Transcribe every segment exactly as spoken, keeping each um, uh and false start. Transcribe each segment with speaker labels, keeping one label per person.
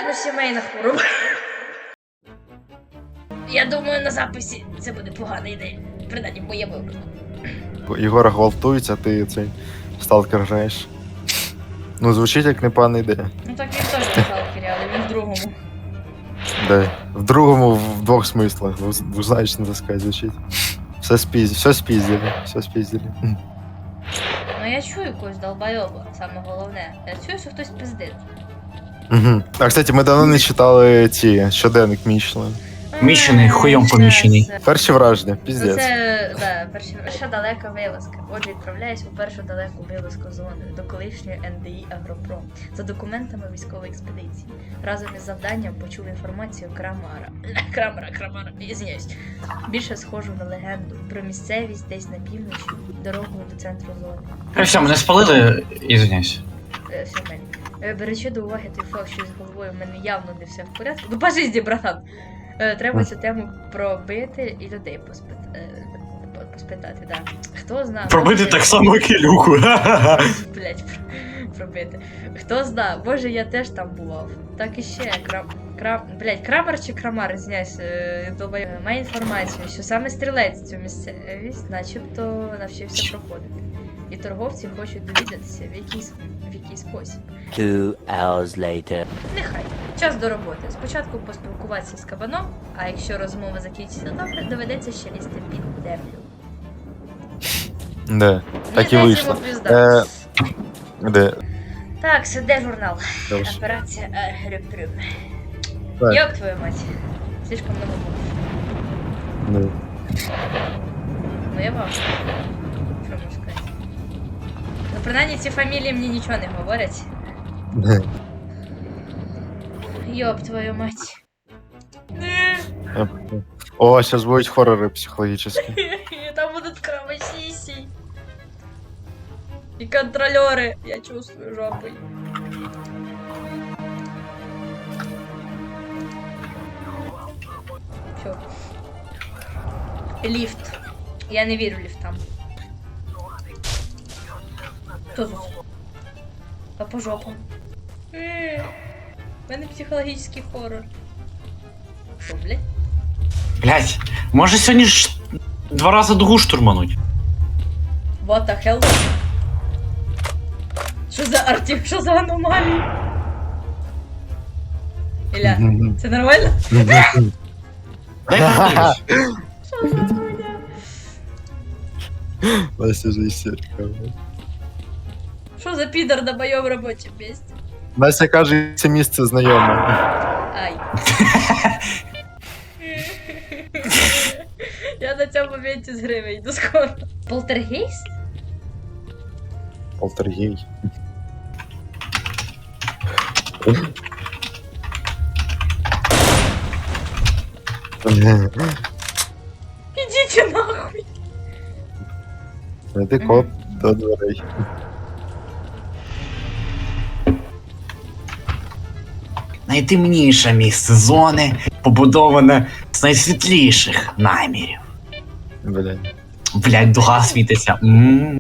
Speaker 1: Вероятно, сімейна хвороба. Я думаю, на записі це буде погана ідея. Принаймні, в моєму випадку.
Speaker 2: Єгора гвалтують, а ти цей сталкер граєш. Ну, звучить як непогана ідея.
Speaker 1: Ну так він теж в сталкері, але він в другому.
Speaker 2: Да. В другому, в двох смислах. Двузначно, так сказати, звучить. Все спіз... все спіздили, все спіздили.
Speaker 1: Ну я чую когось долбойоба, саме головне. Я чую, що хтось пиздить.
Speaker 2: Угу. А, кстати, ми давно не читали ці щоденник Мішлен.
Speaker 3: Міщений, хуйом поміщений.
Speaker 2: Перші враження, піздець.
Speaker 1: Це, да, перші, перша далека вилазка. Отже, відправляюсь у першу далеку вилазку зони до колишньої ен де і Агропром за документами військової експедиції. Разом із завданням почув інформацію Крамара. Крамара, Крамара, ізвиняюсь. Більше схожу на легенду про місцевість десь на півночі, дорогою до центру зони.
Speaker 3: Ну все, мене спалили, ізвиняюсь.
Speaker 1: Е, все в мене. Е, Беручи до уваги той факт, що з головою в мене явно не все в порядку. Ну, по житті, братан! Е, Треба цю тему пробити і людей поспит... е, по- поспитати, да. Хто знає?
Speaker 3: Пробити
Speaker 1: може-
Speaker 3: так само кілюху.
Speaker 1: Блять, пробити. Хто знає, може я теж там бував. Так і ще крам... крам... Блять, Крамар чи Крамар, знясь, долбаю. Має інформацію, що саме стрілець цю місцевість начебто навчився проходити. І торговці хочуть довідатися, в який, с- в який спосіб.
Speaker 4: Two hours later.
Speaker 1: Нехай. Час до роботи. Спочатку поспілкуватися з кабаном, а якщо розмова закінчиться добре, доведеться ще лізти під землю.
Speaker 2: Да, так і
Speaker 1: Мені
Speaker 2: вийшло.
Speaker 1: здається, йому пізда.
Speaker 2: Е, де?
Speaker 1: Так, сиде журнал.
Speaker 2: Добре.
Speaker 1: Операція Грюм-Прюм.
Speaker 2: Так.
Speaker 1: Ёб твою мать. Слишком много букв.
Speaker 2: Ну.
Speaker 1: Ну я вам. Що можу сказати? Ну, принаймні ці фамілії мені нічого не говорять. Ёб твою мать.
Speaker 2: О, сейчас будуть хоррори психологічні.
Speaker 1: Там будут кровосиси. И контролеры. Я чувствую жопой. Все. Лифт. Я не вірю лифтам. Хто тут? А по жопам. Е, У мене психологічний хоррор. Що, блядь?
Speaker 3: Блять, може сьогодні ж два рази дугу штурмануть.
Speaker 1: What the hell? Що за арті? Що за аномалії? Ілля, це нормально?
Speaker 3: Дай подивлюсь.
Speaker 1: Що за хуйня?
Speaker 2: Настя же істерика.
Speaker 1: Що за підар на моєму робочому місці?
Speaker 2: Настя каже, це місце знайоме.
Speaker 1: Ай. Я на цьому моменті з гри вийду скоро. Полтергейст?
Speaker 2: Полтергей.
Speaker 1: Ідіть нахуй.
Speaker 2: Знайди код до дверей.
Speaker 3: Найтемніше місце зони, побудоване з найсвітліших намірів.
Speaker 2: Блядь.
Speaker 3: Блять, дуга світиться. Ммм.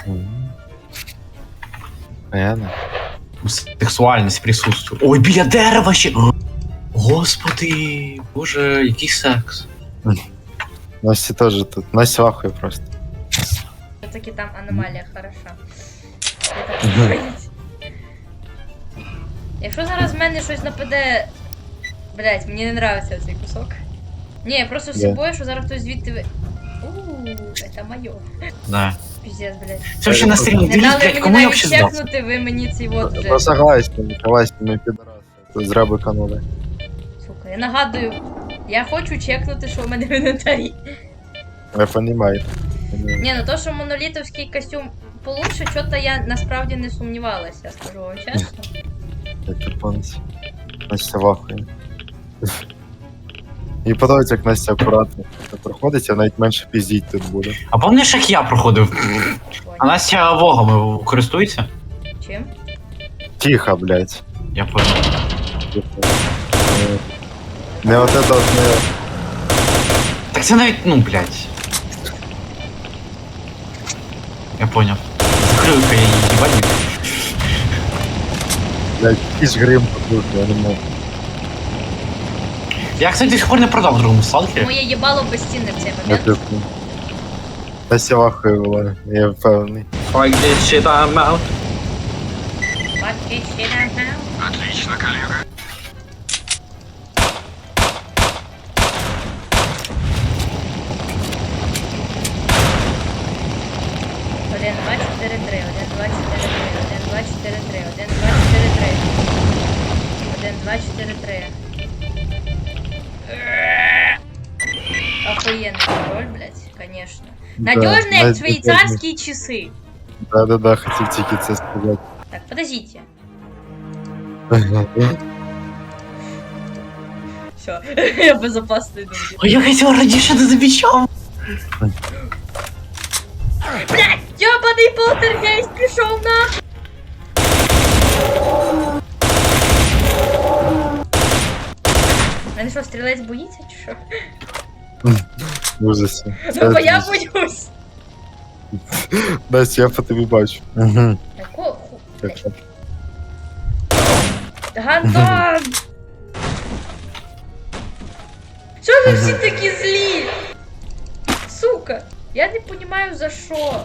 Speaker 2: Понятно?
Speaker 3: Сексуальність присутствує. Ой, біля дерева ще. Господи, боже, який секс.
Speaker 2: Настя теж тут. Настя вахує просто.
Speaker 1: Все-таки там аномалія хороша. Я так говорить. Якщо зараз в мене щось нападе. Блять, мені не нравиться цей кусок. Ні, я просто з
Speaker 2: Да.
Speaker 1: собою, що зараз хтось звідти ви. Ууу, це моє.
Speaker 3: Да.
Speaker 1: Піздець, блять.
Speaker 3: Це взагалі на стрімі.
Speaker 1: Не
Speaker 3: Дивіться,
Speaker 1: дали
Speaker 3: блять,
Speaker 1: мені
Speaker 3: кому я
Speaker 1: навіть
Speaker 3: взагалі здав?
Speaker 1: чекнути, ви мені цей вот вже.
Speaker 2: Ну согласен, согласен, ми підраси. Тут зря биканули.
Speaker 1: Сука, я нагадую, я хочу чекнути, що в мене в інвентарі.
Speaker 2: Я понімаю.
Speaker 1: Ні, ну то, що монолітовський костюм получше, що-то я насправді не сумнівалася, скажу вам чесно.
Speaker 2: Як японці. Настя вахує. І подобається, як Настя акуратно проходить, а навіть менше піздіть тут буде.
Speaker 3: А пам'ятаєш, як я проходив? А Настя вогами користується?
Speaker 1: Чим?
Speaker 2: Тихо, блядь.
Speaker 3: Я понял.
Speaker 2: Не от это от не...
Speaker 3: Так це навіть, ну, блядь. Я понял. Закрою-ка я її їбальник.
Speaker 2: Блядь, якийсь грим тут, я не можу.
Speaker 3: Я, кстати, до сих пор не продав в другому сталкері.
Speaker 1: Моє їбало безцінне в цей
Speaker 2: Я
Speaker 1: момент.
Speaker 2: типу. Настя вахує була, я впевнений.
Speaker 3: Fuck this shit, I'm out.
Speaker 1: Fuck it, shit, I'm out. Один, два, чотири, три, один, два, чотири, три, один, два, чотири, три, один, два, чотири, три. Один, два, чотири, три. Охуенный пароль, блядь, конечно. Надежный,
Speaker 2: Да,
Speaker 1: как швейцарские часы.
Speaker 2: Да-да-да, хотів тільки це сказати.
Speaker 1: Так, подождите. Все, я безопасный думаю.
Speaker 3: А я хотел раніше не замічав.
Speaker 1: Блядь, ёбаный полтергейст пришел на. Мене що, стрілець боїться чи що?
Speaker 2: В ужасі.
Speaker 1: Ну бо я боюсь.
Speaker 2: Настя, я по тобі бачу. Угу.
Speaker 1: Такого ху...
Speaker 2: Так що.
Speaker 1: Гантон! Що ви всі такі злі? Сука, я не понимаю за що.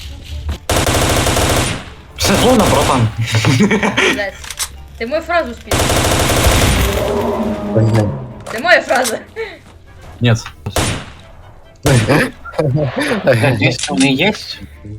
Speaker 3: Все зловно, братан.
Speaker 1: Блядь, ти мою фразу спів. Це моя фраза.
Speaker 3: Нет. Надеюсь, у меня есть.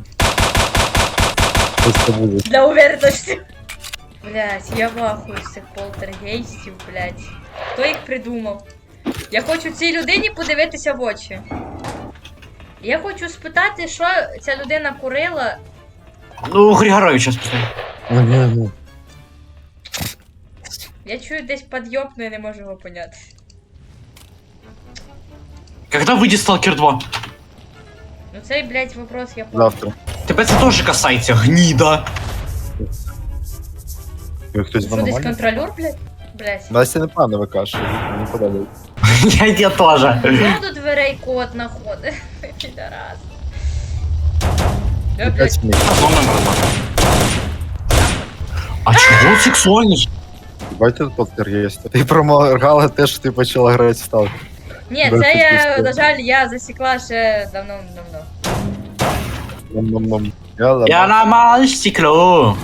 Speaker 2: Просто буде.
Speaker 1: Для уверенности. Блять, я в ахуї з цих полтергейстів, блять. Хто їх придумав? Я хочу цій людині подивитися в очі. Я хочу спитати, що ця людина курила.
Speaker 3: Ну, Григоровича спитаю.
Speaker 2: Угу.
Speaker 1: Я чую десь підйобну і не можу його поняти.
Speaker 3: Когда выйдет Сталкер два?
Speaker 1: Ну цей, блять, вопрос я помню.
Speaker 2: Завтра.
Speaker 3: Тебе це теж касається, гніда.
Speaker 2: Як хтось
Speaker 1: Що десь
Speaker 2: нормально?
Speaker 1: контролер, блять? Блять.
Speaker 2: Настя не пане викаже, мені подобається.
Speaker 3: Я я тоже.
Speaker 1: Хто до дверей кот находить? Підарас. Я, блять,
Speaker 2: П'ять мій.
Speaker 3: А чого сексуальність?
Speaker 2: Бачите тут полтергейст? Ти проморгала те, що ти почала грати в сталкер.
Speaker 1: ні,
Speaker 2: Да,
Speaker 1: це
Speaker 2: ти
Speaker 1: я,
Speaker 2: що?
Speaker 1: на жаль, я засікла ще давно-давно.
Speaker 2: Ном-ном-ном. Я ладно.
Speaker 3: Я ламав стекло.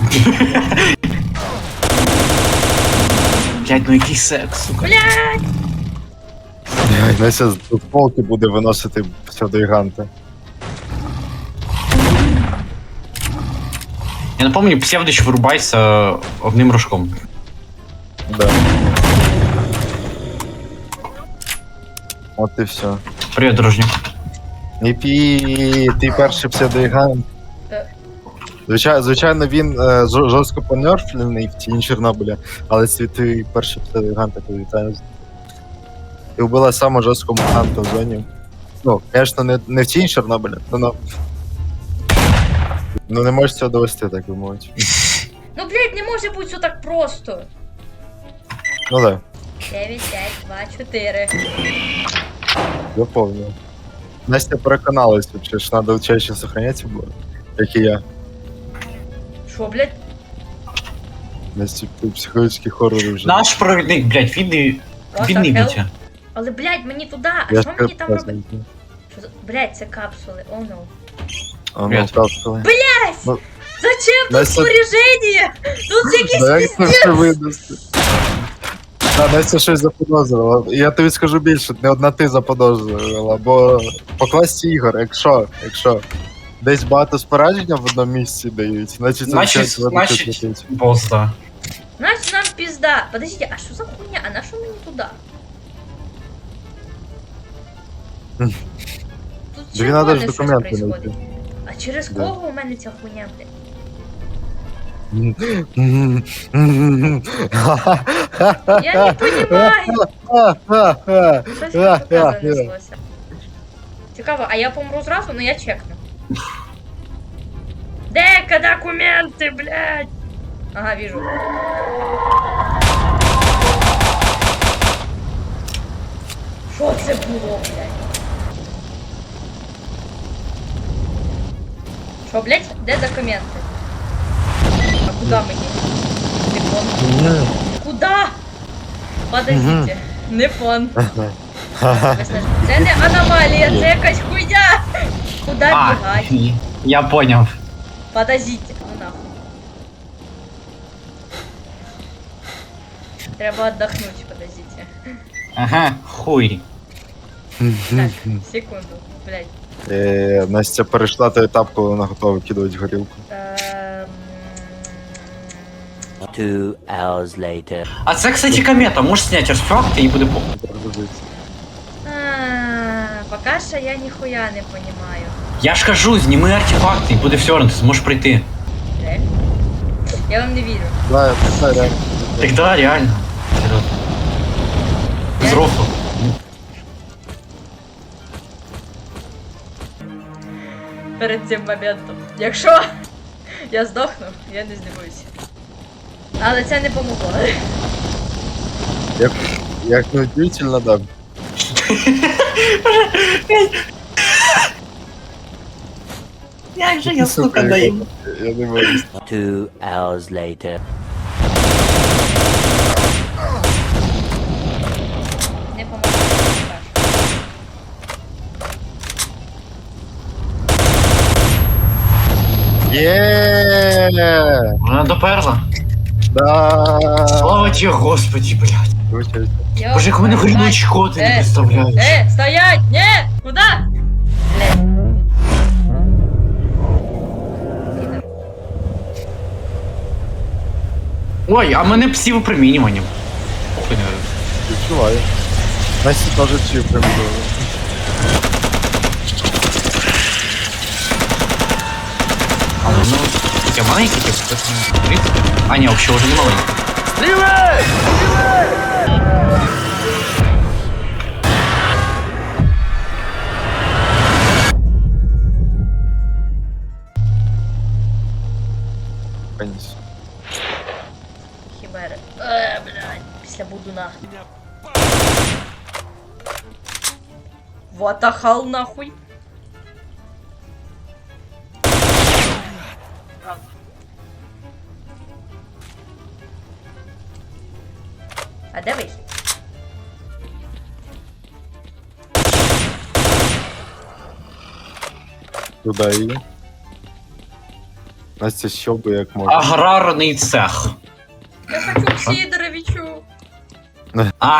Speaker 3: Блять, ну який секс, сука.
Speaker 1: Блять!
Speaker 2: Ай, Настя з полки буде виносити псевдоїганти.
Speaker 3: Я напомню, Псевдич вирубайся одним рожком.
Speaker 2: Да. От і все.
Speaker 3: Привіт, дружню.
Speaker 2: Не пі, ти перший псевдоїгант.
Speaker 1: Та-
Speaker 2: Звичайно, звичайно, він е, жо- жорстко понерфлений в тіні Чорнобиля, але це ти перший псевдоїгант, я вітаю. Ти вбила саме жорсткого мутанта в зоні. Ну, звісно, не, не в тіні Чорнобиля, но, но... Ну не можеш цього довести, так би мовити.
Speaker 1: Ну, блять, не може бути все так просто.
Speaker 2: Ну да,
Speaker 1: дев'ять, п'ять, два, чотири.
Speaker 2: заповнив. Настя переконалась, що ж треба чаще сохранятися було, як і я.
Speaker 1: Що, блять?
Speaker 2: Настя психологічні хорори вже.
Speaker 3: Наш провідник, блять, відний.
Speaker 1: What
Speaker 3: Відний
Speaker 1: the hell?
Speaker 3: Вітя.
Speaker 1: Але, блять, мені туди, а
Speaker 2: Я
Speaker 1: що
Speaker 2: ж
Speaker 1: мені там
Speaker 2: прекрасно
Speaker 1: робити?
Speaker 2: знаю.
Speaker 1: Що за... Блять, це капсули, о oh, no.
Speaker 2: А ну,
Speaker 3: Привіт.
Speaker 2: капсули.
Speaker 1: Блять!
Speaker 2: Ну,
Speaker 1: Зачем тут
Speaker 2: Настя-
Speaker 1: снаряжение? Тут якийсь
Speaker 2: Да як це
Speaker 1: пиздец.
Speaker 2: все видасти? Та, Настя щось заподозрила. Я тобі скажу більше, не одна ти заподозрила, бо по класі ігор, якщо, якщо десь багато спорадження в одному місці дають, значить це
Speaker 3: Значить,
Speaker 2: означає, що
Speaker 3: значить,
Speaker 2: це летить.
Speaker 3: бос, да.
Speaker 1: Значит, нам пизда. Подождите, а что за хуйня? А на что мы не туда?
Speaker 2: Хм.
Speaker 1: Тут
Speaker 2: Тобі надо ж
Speaker 1: червоне щось
Speaker 2: документи
Speaker 1: происходит.
Speaker 2: знайти.
Speaker 1: А через
Speaker 2: Да.
Speaker 1: кого у мене ця хуйня, блядь? Я не понимаю. Щось мені тут занеслося. Цікаво, а я помру зразу, ну я чекну. Дека документи, блядь! Ага, вижу. Що це було, блядь? Що, блядь? Де документи? А куда мені? Телефон. Куда? Подождите. Не фон. Це не аномалія, це якась хуйня. Куда
Speaker 3: А,
Speaker 1: бігать?
Speaker 3: і- я поняв.
Speaker 1: Подождите, ну нахуй. Треба отдохнуть, подождите.
Speaker 3: Ага, хуй.
Speaker 1: Так, секунду, блядь.
Speaker 2: Е, Настя перейшла той етап, коли вона готова викидувати горілку.
Speaker 1: Ем,
Speaker 4: Two hours later.
Speaker 3: А це, кстати, комета, можеш зняти артефакти і буде похуй.
Speaker 2: Перегрузиться.
Speaker 1: а, Пока що я ніхуя не понимаю.
Speaker 3: Я ж кажу, зніми артефакти і буде все одно, ти зможеш прийти.
Speaker 1: Реально? Я вам не вірю.
Speaker 2: Да, я так, реально.
Speaker 3: Так да, реально. Серйозно. Без рофлу.
Speaker 1: Перед цим моментом. Якщо я здохну, я не здивуюся. Але це не помогло.
Speaker 2: Як, як не удивительно, да.
Speaker 3: Як же я,
Speaker 2: Сука,
Speaker 3: сука, даю.
Speaker 2: Я я не можу.
Speaker 4: Two hours later.
Speaker 1: Не помогло.
Speaker 2: Є!
Speaker 3: Вона доперла.
Speaker 2: Да!
Speaker 3: Слава тебе, господи, блядь.
Speaker 2: Вибачаюсь.
Speaker 1: Йо,
Speaker 3: Боже, як у мене горіли
Speaker 1: блядь.
Speaker 3: очко, ти не
Speaker 1: Е,
Speaker 3: представляєш.
Speaker 1: Э, стоять! Не! Куда? Блядь. Підер.
Speaker 3: Ой, а мене псів випромінюванням. Похуй не говорю.
Speaker 2: Відчуваю. Настя теж чив примірили.
Speaker 3: А воно... Я маленький, типу, так, ну, в принципі. А, ні, взагалі вже не маленький.
Speaker 2: Поніс.
Speaker 1: Хімери. Е, блядь. Після будуна. Ватахал нахуй. А де вихід?
Speaker 2: Туди її. Настя щелкує як може.
Speaker 3: Аграрний цех.
Speaker 1: Я хочу к Сидоровичу.
Speaker 3: А,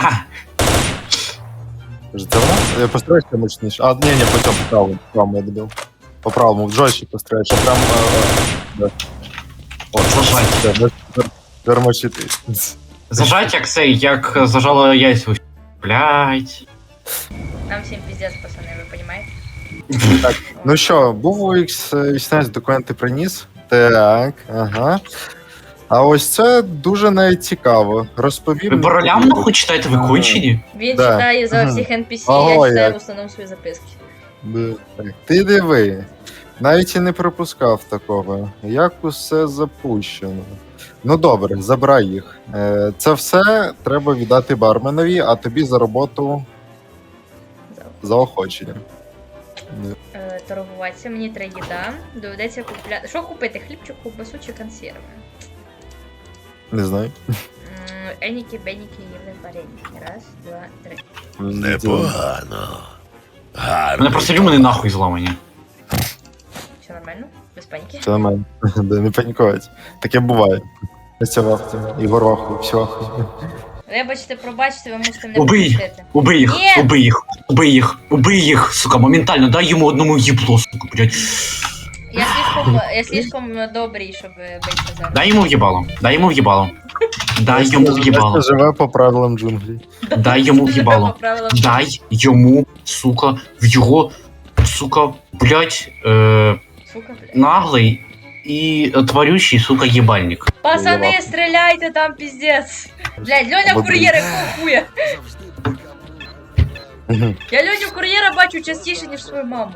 Speaker 2: Вже це вона? Я постараюся мощніше. А, ні, ні, по цьому, по правому, по правому я добив. По правому, в джойші постараюсь, щоб прям... е, е, да.
Speaker 3: от зажать.
Speaker 2: Все, без- без- Термочити.
Speaker 3: Зажать як цей, як зажало яйцю. Блять.
Speaker 1: Нам всім пиздец, пацани, ви розумієте?
Speaker 2: Ну що, був у ікс вісімнадцять, документи приніс. Так, ага. А ось це дуже навіть цікаво. Розповім.
Speaker 3: Ви по ролям нахуй читаєте, ви кончені?
Speaker 1: Він
Speaker 2: Да.
Speaker 1: читає за
Speaker 2: Мгм.
Speaker 1: всіх ен пі сі,
Speaker 2: Ого,
Speaker 1: я читаю
Speaker 2: як.
Speaker 1: в основному свої записки.
Speaker 2: Б- так. Ти диви. Навіть і не пропускав такого. Як усе запущено. Ну добре, забирай їх. Е, Це все треба віддати барменові, а тобі за роботу заохочення.
Speaker 1: Е, торгуватися, мені треба їда. Доведеться купляти. Що купити? Хлібчик, ковбасу чи консерви?
Speaker 2: Не знаю.
Speaker 1: М, Еніки, беніки, їли вареники. Раз, два, три.
Speaker 5: Непогано.
Speaker 3: Мене просто люмини нахуй зламані.
Speaker 1: Все нормально? Без паніки?
Speaker 2: Це нормально. Да, не панікувати. Таке буває. Настя вахті, Ігор ваху, все ваху.
Speaker 1: Вибачте, пробачте, ви мусите мене
Speaker 3: Убий!
Speaker 1: пропустити.
Speaker 3: Убий їх,
Speaker 1: Ні!
Speaker 3: убий їх, убий їх, убий їх, сука, моментально, дай йому одному їбло, сука, блядь.
Speaker 1: Я слишком, я слишком добрий, щоб бити зараз.
Speaker 3: Дай йому в'їбало, дай йому в'їбало. Дай йому в'їбало,
Speaker 2: Настя живе по правилам джунглі.
Speaker 3: дай йому в'їбало.
Speaker 1: По правилам.
Speaker 3: Дай йому, сука, в його, сука, блядь, е,
Speaker 1: Сука, блядь.
Speaker 3: наглий і тварющий, сука, їбальник.
Speaker 1: Пацани, стріляйте там, піздець. Блядь, Льоня
Speaker 2: Або
Speaker 1: кур'єр, якого хуя? Я Льоню кур'єра бачу частіше, ніж свою маму.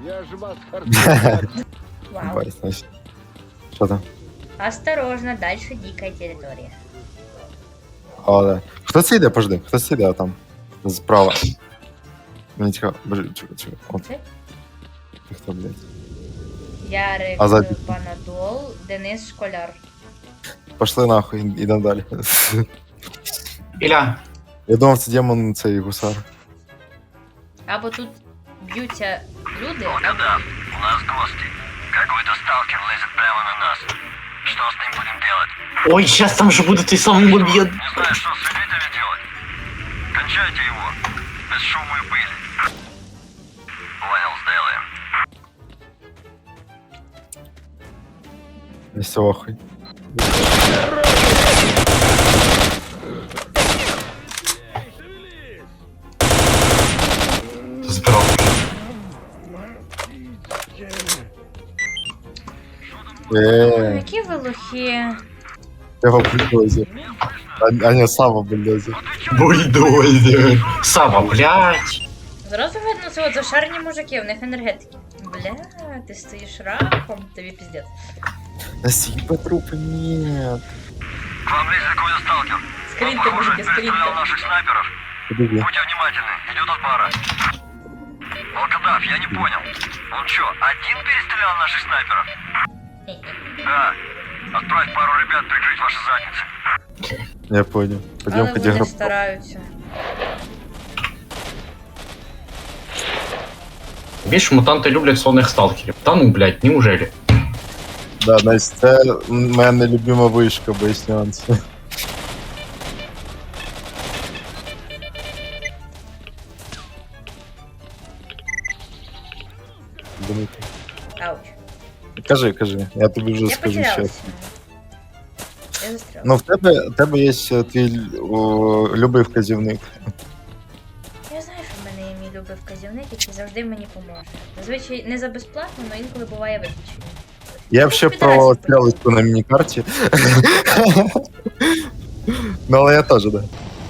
Speaker 1: Вау.
Speaker 2: Бать, Настя. Що там?
Speaker 1: Осторожно, дальше дикая територія.
Speaker 2: О, да. Хто це йде? Пожди, хто це йде там? Справа. Мені цікаво. Боже, чекай, чекай. От.
Speaker 1: Це?
Speaker 2: Ти хто, блядь?
Speaker 1: Ярик,
Speaker 2: А за-
Speaker 1: Панадол, Денис Школяр.
Speaker 2: Пошли нахуй, ідемо далі.
Speaker 3: Ілля,
Speaker 2: Я думав, це демон, цей гусар.
Speaker 1: Або тут б'ються люди, або...
Speaker 5: Да, у нас гости. Какой-то сталкер лезет прямо на нас. Что с ним будем делать?
Speaker 3: Ой, сейчас там же будет и самый мобед.
Speaker 5: Не знаю, что с свидетелями делать. Кончайте его. Без шума и пыли. Понял, сделаем.
Speaker 2: Не сохай.
Speaker 3: Збрав.
Speaker 1: Ой,
Speaker 2: Еee,
Speaker 1: які ви лохи.
Speaker 2: його бульдозер. А, а не, Сава бульдозер.
Speaker 3: Бульдозер. Сава, блядь.
Speaker 1: Зразу видно, це от зашарені мужики, в них енергетики. Бля, ти стоїш раком, тобі піздець.
Speaker 2: Да съеба трупы нет.
Speaker 5: К вам лезет какой-то сталкер.
Speaker 1: Скриньте,
Speaker 5: Похоже,
Speaker 1: мужики,
Speaker 5: перестрелял
Speaker 1: скриньте.
Speaker 5: наших снайперов.
Speaker 2: Подожди.
Speaker 5: Будьте внимательны, идет от бара. Волкодав, я не понял. Он что, один перестрелял наших снайперов? Да. Отправь пару ребят прикрыть ваши задницы.
Speaker 2: Я понял. Пойдем,
Speaker 1: Але
Speaker 2: пойдем.
Speaker 1: вони стараються.
Speaker 3: Більше мутанти люблять сонних сталкерів. Та ну, блядь, неужели?
Speaker 2: Да, Настя, це моя нелюбима вишка, без нюансів. Дмитрий.
Speaker 1: Ауч.
Speaker 2: Кажи, кажи, я тобі вже
Speaker 1: Я
Speaker 2: скажу
Speaker 1: потерялася.
Speaker 2: ще.
Speaker 1: Я застряла.
Speaker 2: Ну, в тебе, в тебе є ще твій о, любий вказівник.
Speaker 1: Я знаю, що в мене є мій любий вказівник, який завжди мені поможе. Зазвичай не за безплатно, але інколи буває виключення.
Speaker 2: Я б ще
Speaker 1: підрасів
Speaker 2: про
Speaker 1: просто.
Speaker 2: стрілочку на міні-карті. Ну, але я теж, да.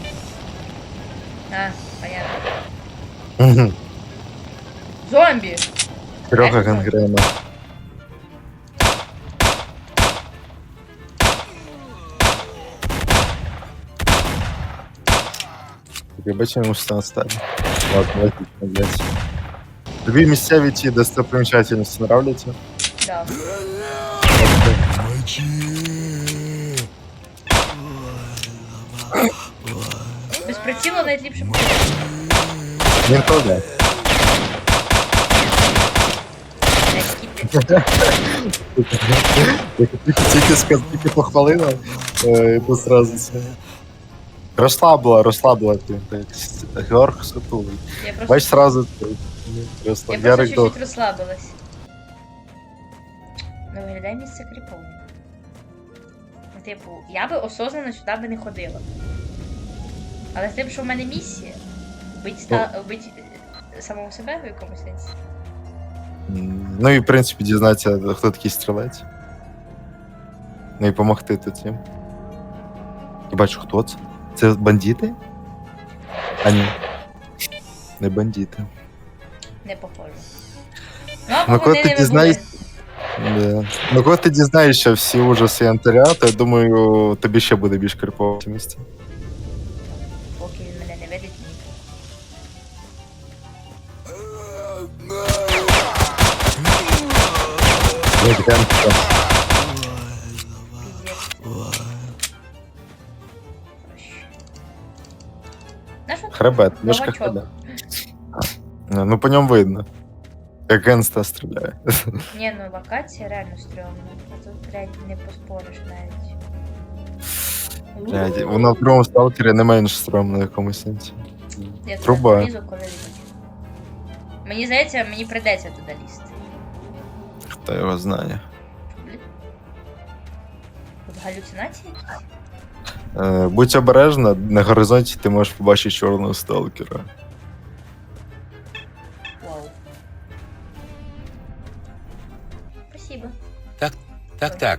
Speaker 1: А, понятно.
Speaker 2: Мгм.
Speaker 1: Зомбі!
Speaker 2: Трьоха
Speaker 1: Реально?
Speaker 2: гангрена. Я бачу, йому що стане. Ладно, логічно, блядь. Тобі місцеві ті достопримічательності нравляться?
Speaker 1: Да. Без прицілу навіть ліпше буде.
Speaker 2: Він то, да.
Speaker 1: Які ти-
Speaker 2: Як тільки, тільки, сказ- тільки похвалила, е, то сразу це. Розслабила, розслабила ти. так, Георг Сатулий.
Speaker 1: Я просто,
Speaker 2: Бач, сразу ти.
Speaker 1: я
Speaker 2: Розслаб-
Speaker 1: просто
Speaker 2: Ярик
Speaker 1: чуть-чуть
Speaker 2: Дох.
Speaker 1: розслабилась. Ну, виглядає місце кріпово. Ну, Типу, я би осознанно сюди би не ходила. Але з тим, що в мене місія, бить, ста... бить е, самого себе в якомусь сенсі.
Speaker 2: М, Ну і в принципі дізнатися, хто такий стрілець. Ну і помогти тут їм. І бачу, хто це? Це бандити? А ні. Не бандити.
Speaker 1: Не похоже. Ну, або
Speaker 2: Ну, коли
Speaker 1: вони
Speaker 2: ти
Speaker 1: не
Speaker 2: дізнаєш-
Speaker 1: були.
Speaker 2: Да. Ну коли ти дізнаєшся всі ужаси янтаря, то я думаю, тобі ще буде більш крипово в цьому місці.
Speaker 1: Поки він мене не видить, ні.
Speaker 2: Ну, таке, ну,
Speaker 1: Піздець. Знаєш, от
Speaker 2: Хребет, мишка
Speaker 1: новачок.
Speaker 2: хребет. Ну по ньому видно. Як Генста стріляє.
Speaker 1: Ні, ну локація реально стрьомна. А тут, блядь, не поспориш навіть.
Speaker 2: Блядь, Вона в другому сталкері не менш стрьомна в якомусь сенсі.
Speaker 1: Я туди
Speaker 2: труба.
Speaker 1: залізу, коли лізуть. Мені здається, мені прийдеться туди лізти.
Speaker 2: Хто його знає.
Speaker 1: Блін. Тут галюцинації якісь?
Speaker 2: Е, будь обережна, на горизонті ти можеш побачити чорного сталкера.
Speaker 1: Вау. Спасибо.
Speaker 5: Так, так.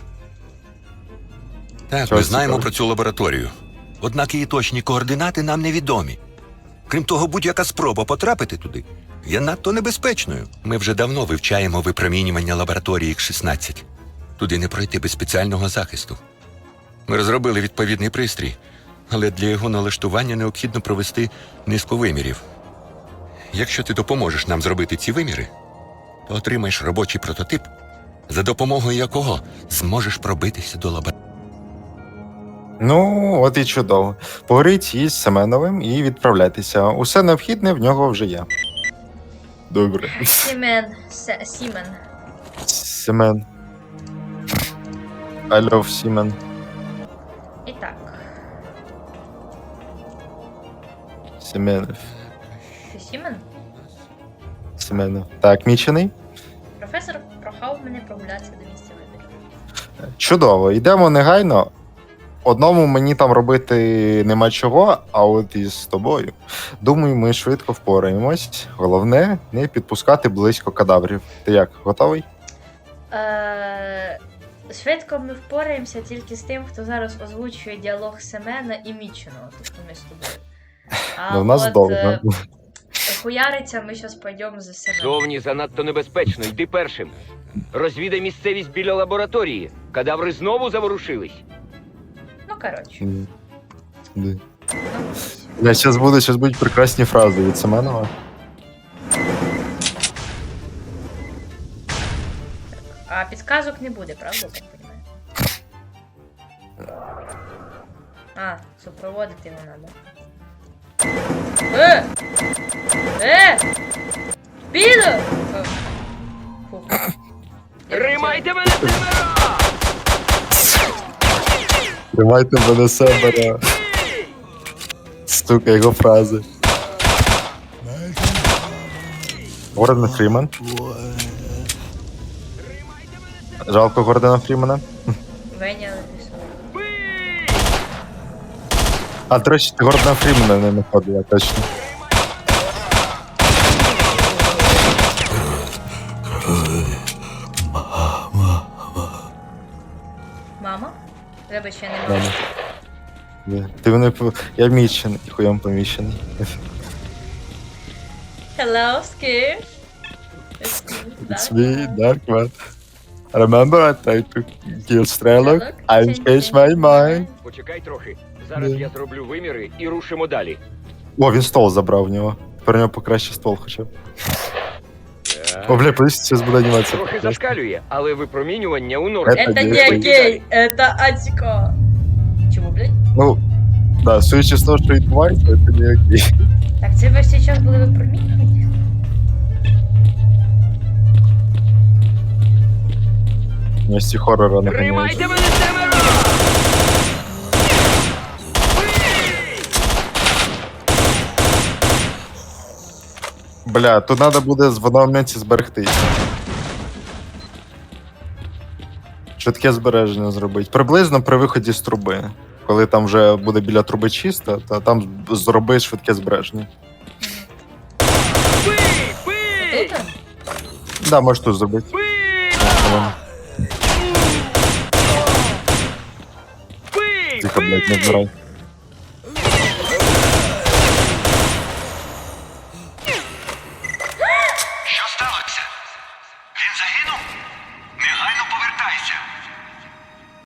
Speaker 5: Так,
Speaker 2: Чого
Speaker 5: ми знаємо
Speaker 2: цікаво?
Speaker 5: про цю лабораторію. Однак її точні координати нам невідомі. Крім того, будь-яка спроба потрапити туди є надто небезпечною. Ми вже давно вивчаємо випромінювання лабораторії ікс шістнадцять. Туди не пройти без спеціального захисту. Ми розробили відповідний пристрій, але для його налаштування необхідно провести низку вимірів. Якщо ти допоможеш нам зробити ці виміри, то отримаєш робочий прототип, за допомогою якого зможеш пробитися до лабораторії.
Speaker 2: Ну, от і чудово. Поговоріть із Семеновим і відправляйтеся. Усе необхідне в нього вже є. Добре.
Speaker 1: Сімен. Се- Сімен.
Speaker 2: Семен. I love Сімен.
Speaker 1: І так.
Speaker 2: Семенов.
Speaker 1: Ти Сімен?
Speaker 2: Семенов. Так, мічений.
Speaker 1: Професор прохав мене прогулятися до місця виборів.
Speaker 2: Чудово, йдемо негайно. Одному мені там робити нема чого, а от із тобою. Думаю, ми швидко впораємось. Головне, не підпускати близько кадаврів. Ти як, готовий?
Speaker 1: Е, Швидко ми впораємося тільки з тим, хто зараз озвучує діалог Семена і Міченого, тобто ми з тобою. А
Speaker 2: Ну, в нас
Speaker 1: от,
Speaker 2: довго.
Speaker 1: е, хуяриться ми зараз пойдемо за Семеном.
Speaker 6: Зовні занадто небезпечно, йди першим. Розвідай місцевість біля лабораторії. Кадаври знову заворушились.
Speaker 1: Ну, коротше.
Speaker 2: М. Ди.
Speaker 1: Ну,
Speaker 2: Я зараз буду, зараз будуть прекрасні фрази від Семенова.
Speaker 1: а підказок не буде, правда, я так розумію? А, супроводити його треба. Е! Е! Підо! О. Фух. Я
Speaker 6: Тримайте мене, Семена!
Speaker 2: Тримайте мене себе. Стука його фрази. Гордон Фріман. Жалко Гордона Фрімана.
Speaker 1: Веня написав.
Speaker 2: А, до речі, ти Гордона Фрімана не знаходила, точно.
Speaker 1: Мама? Вибач, я не
Speaker 2: Мама.
Speaker 1: можу.
Speaker 2: Ні. Ти мене по- Я мічений, хуєм помічений.
Speaker 1: Hello, Skish. It's me,
Speaker 2: It's
Speaker 1: Dark
Speaker 2: me,
Speaker 1: Man.
Speaker 2: Dark Man. Remember I tried to kill Strelok?
Speaker 1: Strelok
Speaker 2: I
Speaker 1: changed
Speaker 2: changed my
Speaker 1: his
Speaker 2: mind.
Speaker 6: Почекай трохи. Зараз
Speaker 2: Ні.
Speaker 6: я зроблю виміри і рушимо далі.
Speaker 2: О, він ствол забрав в нього. Тепер у нього покраще ствол хоча б. О, бля, подивись, зараз буде анімація.
Speaker 6: Трохи зашкалює, але випромінювання у нормі.
Speaker 2: Это
Speaker 1: Это не
Speaker 2: не
Speaker 1: окей, это Атико. Чому, блядь?
Speaker 2: Ну, да, судячи з того, що відбувається, це не окей.
Speaker 1: Так, це ви зараз були випромінювання?
Speaker 2: Вместе хоррора не
Speaker 6: Тримайте мене, Семена!
Speaker 2: Бля, тут треба буде в одному моменті зберегтись. Швидке збереження зробити. Приблизно при виході з труби. Коли там вже буде біля труби чисто, то там зроби швидке збереження.
Speaker 6: Бий! Бий!
Speaker 1: Тут?
Speaker 2: Да, можеш тут зробити.
Speaker 6: Бий!
Speaker 2: Ладно.
Speaker 6: Бий!
Speaker 2: Тихо, блядь, не
Speaker 6: Бий!
Speaker 2: збирай.